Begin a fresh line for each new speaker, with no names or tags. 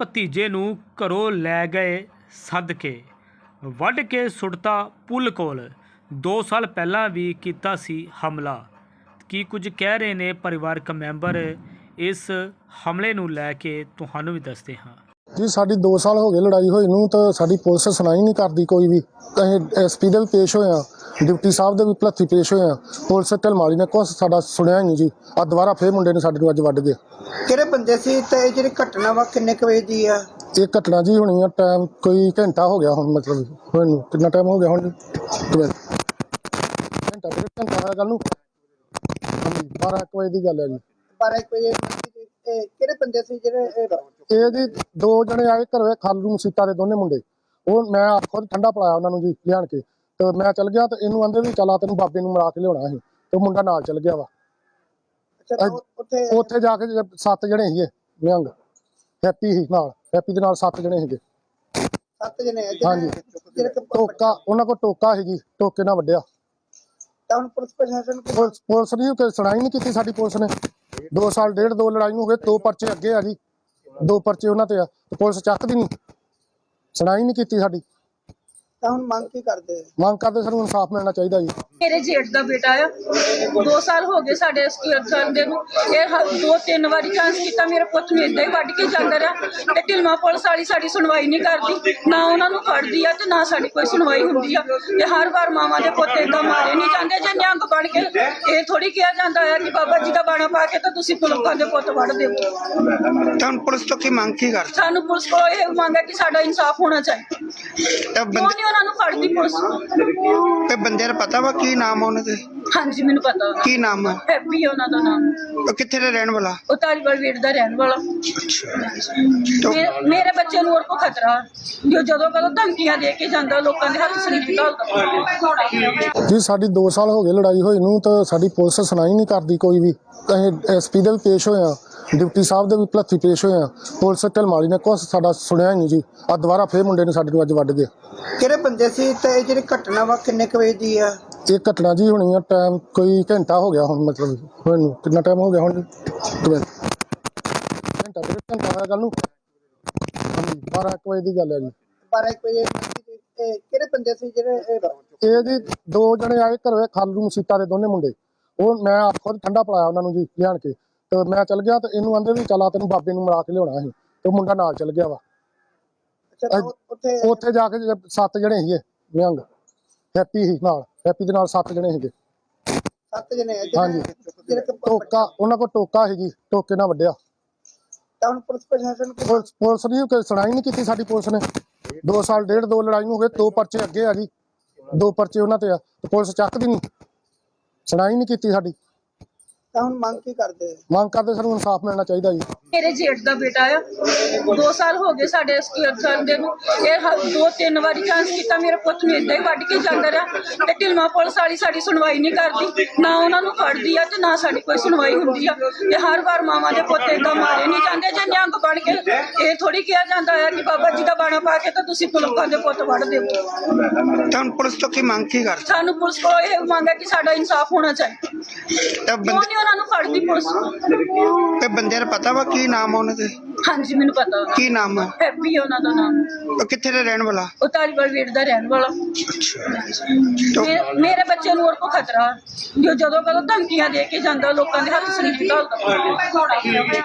ਭਤੀਜੇ ਨੂੰ ਘਰੋਂ ਲੈ ਗਏ ਸੱਦ ਕੇ ਵੱਢ ਕੇ ਸੁੱਟਤਾ ਪੁੱਲ ਕੋਲ। 2 ਸਾਲ ਪਹਿਲਾਂ ਵੀ ਕੀਤਾ ਸੀ ਹਮਲਾ। ਕੀ ਕੁਝ ਕਹਿ ਰਹੇ ਨੇ ਪਰਿਵਾਰਕ ਮੈਂਬਰ, ਇਸ ਹਮਲੇ ਨੂੰ ਲੈ ਕੇ ਤੁਹਾਨੂੰ ਵੀ ਦੱਸਦੇ ਹਾਂ।
जी साड़ी 2 साल हो गए लड़ाई हुई नूं तो साड़ी पुलिस सुनाई नहीं करती कोई भी। असीं SP दे भी पेश होए हां, डिप्टी साहब दे भी भलत्थी पेश होए हां, पुलिस ढलमाली ने कुछ साडा सुनिया ही नहीं जी। आ दोबारा फिर मुंडे ने साडे नूं अज वड्ड गए।
किहड़े बंदे सी ते जिहड़ी घटना वा किन्ने क वजे दी आ?
ये घटना जी होनी है टाइम कोई घंटा हो गया हुण, मतलब होए नूं कितना टाइम हो गया हुण जी? घंटा डेढ़ घंटा होया गल नूं। हाँ जी 12-1 बजे दी गल है जी।
12 वजे किहड़े बंदे सी जिहड़े
ਇਹ ਜੀ 2 ਜਣੇ ਆਏ ਘਰੇ ਖਾਲੂ ਮਸੀਤਾ ਦੇ ਦੋਨੇ ਮੁੰਡੇ। ਉਹ ਮੈਂ ਖੁਦ ਠੰਡਾ ਪਿਲਾਇਆ ਉਹਨਾਂ ਨੂੰ ਜੀ ਲਿਆਣ ਕੇ, ਤੇ ਮੈਂ ਚੱਲ ਗਿਆ ਤੇ ਇਹਨੂੰ ਆਂਦੇ ਵੀ ਚੱਲ ਆ ਤੈਨੂੰ ਬਾਬੇ ਨੂੰ ਮਿਲਾ ਕੇ ਲਿਆਉਣਾ ਸੀ, ਤੇ ਮੁੰਡਾ ਨਾਲ ਚੱਲ ਗਿਆ ਵਾ। ਉੱਥੇ ਜਾ ਕੇ 7 ਜਣੇ ਸੀਗੇ ਨਿਹੰਗ, ਹੈਪੀ ਸੀ ਨਾਲ, ਹੈਪੀ ਦੇ ਨਾਲ 7 ਜਣੇ ਸੀਗੇ।
7 ਜਣੇ
ਹਾਂਜੀ ਟੋਕਾ ਉਹਨਾਂ ਕੋਲ ਟੋਕਾ ਸੀ ਜੀ, ਟੋਕੇ ਨਾਲ ਵੱਢਿਆ।
ਤਾਂ ਹੁਣ ਪੁਲਿਸ ਪ੍ਰਸ਼ਾਸਨ
ਪੁਲਿਸ ਨੇ ਕੋਈ ਸੁਣਾਈ ਨਹੀਂ ਕੀਤੀ ਸਾਡੀ ਪੁਲਿਸ ਨੇ। 2 ਸਾਲ ਡੇਢ 2 ਲੜਾਈ ਨੂੰ ਹੋ ਗਏ, 2 ਪਰਚੇ ਅੱਗੇ ਆ ਜੀ, 2 ਪਰਚੇ ਉਹਨਾਂ ਤੇ ਆ, ਤੇ ਪੁਲਿਸ ਚੱਕਦੀ ਨਹੀਂ, ਸੁਣਾਈ ਨਹੀਂ ਕੀਤੀ ਸਾਡੀ।
ਤਾਂ ਹੁਣ ਮੰਗ ਕੀ ਕਰਦੇ?
ਮੰਗ ਕਰਦੇ ਸਾਨੂੰ ਇਨਸਾਫ ਮਿਲਣਾ ਚਾਹੀਦਾ ਜੀ।
मेरे जेठ का बेटा है, 2 साल हो गए साडे संदे नूं। ये 2-3 वारी चांस किया मेरे पुत नूं इदां ही वड्ड के जांदा रहा, ते ढिलमा पुलिस वाली साडी सुनवाई नहीं करदी, ना उन्हां नूं फड़दी आ ते ना साडी कोई सुनवाई हुंदी आ। ते हर बार मावां दे पुत इदां मारे नहीं जांदे जे निहंग बण के। ये थोड़ी किहा जांदा है कि बाबा जी दा बाणा पा के ते तुसीं पुलकां दे पुत वड्ड दिओ।
ਤਾਂ ਹੁਣ ਪੁਲਿਸ ਤੋਂ ਕੀ ਮੰਗ ਕੀ ਕਰਦੇ?
सानूं पुलिस को ये मंग है कि साडा इंसाफ होना चाहिए।
ਤਾਂ
क्यों नहीं उन्हां नूं फड़दी पुलिस?
ਤੇ ਬੰਦੇ ਦਾ ਪਤਾ ਵਾ ਕੀ ਨਾਮ ਆ ਉਹਨਾਂ ਦੇ?
हाँ जी मैनूं पता,
ਕੀ ਨਾਮ ਆ?
हैप्पी है उन्हां दा नाम।
ਉਹ ਕਿੱਥੇ ਦੇ ਰਹਿਣ ਵਾਲਾ?
ਉਹ ਧਾਰੀਵਾਲ ਵੇਟ ਦਾ ਰਹਿਣ ਵਾਲਾ। ਮੇਰੇ ਬੱਚੇ ਨੂੰ ਹੋਰ ਕੋ ਖਤਰਾ ਜੋ ਜਦੋਂ ਕਦੋਂ ਧਮਕੀਆਂ ਦੇ ਕੇ ਜਾਂਦਾ, ਲੋਕਾਂ ਦੇ ਹੱਥ ਸਰੀਰ ਘਾਲਦਾ
ਜੀ ਸਾਡੀ 2 ਸਾਲ ਹੋ ਗਏ ਲੜਾਈ ਹੋਈ ਨੂੰ ਤਾਂ ਸਾਡੀ ਪੁਲਿਸ ਸੁਣਾਈ ਨਹੀਂ ਕਰਦੀ ਕੋਈ ਵੀ। ਅਸੀਂ SP ਦੇ ਵੀ ਪੇਸ਼ ਹੋਏ ਹਾਂ, डिप्टी साहब ਦੇ ਵੀ ਭਲੱਥੀ ਪੇਸ਼ ਹੋਏ ਹਾਂ, ਪੁਲਿਸ ਢਲਮਾਲੀ ਨੇ ਕੁਛ ਸਾਡਾ ਸੁਣਿਆ ਹੀ ਨਹੀਂ ਜੀ। ਆ ਦੁਬਾਰਾ ਫੇਰ ਮੁੰਡੇ ਨੇ ਸਾਡੇ ਨੂੰ ਅੱਜ ਵੱਢ ਗਏ।
ਕਿਹੜੇ ਬੰਦੇ ਸੀ ਤੇ ਜਿਹੜੀ ਘਟਨਾ ਵਾ ਕਿੰਨੇ ਕ ਵਜੇ ਦੀ ਆ?
ਇਹ ਘਟਨਾ ਜੀ ਹੋਣੀ ਹੈ ਟਾਈਮ ਕੋਈ ਘੰਟਾ ਹੋ ਗਿਆ ਹੁਣ, ਮਤਲਬ ਹੋਏ ਨੂੰ ਕਿੰਨਾ ਟਾਈਮ ਹੋ ਗਿਆ ਹੁਣ ਜੀ? ਘੰਟਾ ਡੇਢ ਘੰਟਾ ਹੋਇਆ ਗੱਲ ਨੂੰ। ਹਾਂਜੀ 12-1 ਵਜੇ ਦੀ ਗੱਲ ਹੈ ਜੀ।
12 ਵਜੇ ਕਿਹੜੇ ਬੰਦੇ ਸੀ ਜਿਹੜੇ
ਇਹ ਜੀ 2 ਜਣੇ ਆਏ ਘਰੇ ਖਾਲੂ ਮਸੀਤਾ ਦੇ ਦੋਨੇ ਮੁੰਡੇ। ਉਹ ਮੈਂ ਖੁਦ ਠੰਡਾ ਪਿਲਾਇਆ ਉਹਨਾਂ ਨੂੰ ਜੀ ਲਿਆਣ ਕੇ, ਤੇ ਮੈਂ ਚੱਲ ਗਿਆ ਤੇ ਇਹਨੂੰ ਆਂਦੇ ਵੀ ਚੱਲ ਆ ਤੈਨੂੰ ਬਾਬੇ ਨੂੰ ਮਿਲਾ ਕੇ ਲਿਆਉਣਾ ਸੀ, ਤੇ ਮੁੰਡਾ ਨਾਲ ਚੱਲ ਗਿਆ ਵਾ। ਉੱਥੇ ਜਾ ਕੇ 7 ਜਣੇ ਸੀਗੇ ਨਿਹੰਗ, ਹੈਪੀ ਸੀ ਨਾਲ, ਹੈਪੀ ਦੇ ਨਾਲ 7 ਜਣੇ ਸੀਗੇ।
7 ਜਣੇ
ਹਾਂਜੀ ਟੋਕਾ ਉਹਨਾਂ ਕੋਲ ਟੋਕਾ ਸੀ ਜੀ, ਟੋਕੇ ਨਾਲ ਵੱਢਿਆ।
ਤਾਂ ਹੁਣ ਪੁਲਿਸ ਪ੍ਰਸ਼ਾਸਨ
ਪੁਲਿਸ ਨੇ ਕੋਈ ਸੁਣਾਈ ਨਹੀਂ ਕੀਤੀ ਸਾਡੀ ਪੁਲਿਸ ਨੇ। 2 ਸਾਲ ਡੇਢ 2 ਲੜਾਈ ਨੂੰ ਹੋ ਗਏ, 2 ਪਰਚੇ ਅੱਗੇ ਆ ਜੀ, 2 ਪਰਚੇ ਉਹਨਾਂ ਤੇ ਆ, ਤੇ ਪੁਲਿਸ ਚੱਕਦੀ ਨਹੀਂ, ਸੁਣਾਈ ਨਹੀਂ ਕੀਤੀ ਸਾਡੀ।
ਤਾਂ ਹੁਣ ਮੰਗ ਕੀ ਕਰਦੇ?
ਮੰਗ ਕਰਦੇ ਸਾਨੂੰ ਇਨਸਾਫ ਮਿਲਣਾ ਚਾਹੀਦਾ ਜੀ।
ਮੇਰੇ ਜੇਠ ਦਾ ਬੇਟਾ ਆ, 2 ਸਾਲ ਹੋ ਗਏ ਸਾਡੇ ਸੰਦੇ ਨੂੰ। ਇਹ 2-3 ਵਾਰੀ ਚਾਂਸ ਕੀਤਾ ਮੇਰੇ ਪੁੱਤ ਨੂੰ ਇਦਾਂ ਹੀ ਵੱਢ ਕੇ ਜਾਂਦਾ ਰਿਹਾ, ਤੇ ਢਿਲਮਾ ਪੁਲਿਸ ਵਾਲੀ ਸਾਡੀ ਸੁਣਵਾਈ ਨਹੀਂ ਕਰਦੀ, ਨਾ ਉਹਨਾਂ ਨੂੰ ਫੜਦੀ ਆ ਤੇ ਨਾ ਸਾਡੀ ਕੋਈ ਸੁਣਵਾਈ ਹੁੰਦੀ ਆ। ਤੇ ਹਰ ਵਾਰ ਮਾਵਾਂ ਦੇ ਪੁੱਤ ਇਦਾਂ ਮਾਰੇ ਨਹੀਂ ਜਾਂਦੇ ਜੇ ਨਿਹੰਗ ਬਣ ਕੇ। ਇਹ ਥੋੜੀ ਕਿਹਾ ਜਾਂਦਾ ਹੈ ਕਿ ਬਾਬਾ ਜੀ ਦਾ ਬਾਣਾ ਪਾ ਕੇ ਤੇ ਤੁਸੀਂ ਪੁਲਕਾਂ ਦੇ ਪੁੱਤ ਵੱਢ ਦਿਓ।
ਤਾਂ ਹੁਣ ਪੁਲਿਸ ਤੋਂ ਕੀ ਮੰਗ ਕੀ ਕਰਦੇ?
ਸਾਨੂੰ ਪੁਲਿਸ ਕੋਲ ਇਹ ਮੰਗ ਹੈ ਕਿ ਸਾਡਾ ਇੰਸਾਫ ਹੋਣਾ ਚਾਹੀਦਾ।
ਤਾਂ
ਕਿਉਂ ਨਹੀਂ ਉਹਨਾਂ ਨੂੰ ਫੜਦੀ ਪੁਲਿਸ?
ਤੇ ਬੰਦੇ ਦਾ ਪਤਾ ਵਾ ਕੀ ਨਾਮ ਆ ਉਹਨਾਂ ਦੇ?
हाँ जी मैनूं पता,
ਕੀ ਨਾਮ ਆ?
हैप्पी है उन्हां दा नाम।
ਉਹ ਕਿੱਥੇ ਦੇ ਰਹਿਣ ਵਾਲਾ?
ਉਹ ਧਾਰੀਵਾਲ ਵੇਟ ਦਾ ਰਹਿਣ ਵਾਲਾ। ਮੇਰੇ ਬੱਚੇ ਨੂੰ ਹੋਰ ਕੋ ਖਤਰਾ ਜੋ ਜਦੋਂ ਕਦੋਂ ਧਮਕੀਆਂ ਦੇ ਕੇ ਜਾਂਦਾ, ਲੋਕਾਂ ਦੇ ਹੱਥ ਸਰੀਰ ਘਾਲਦਾ।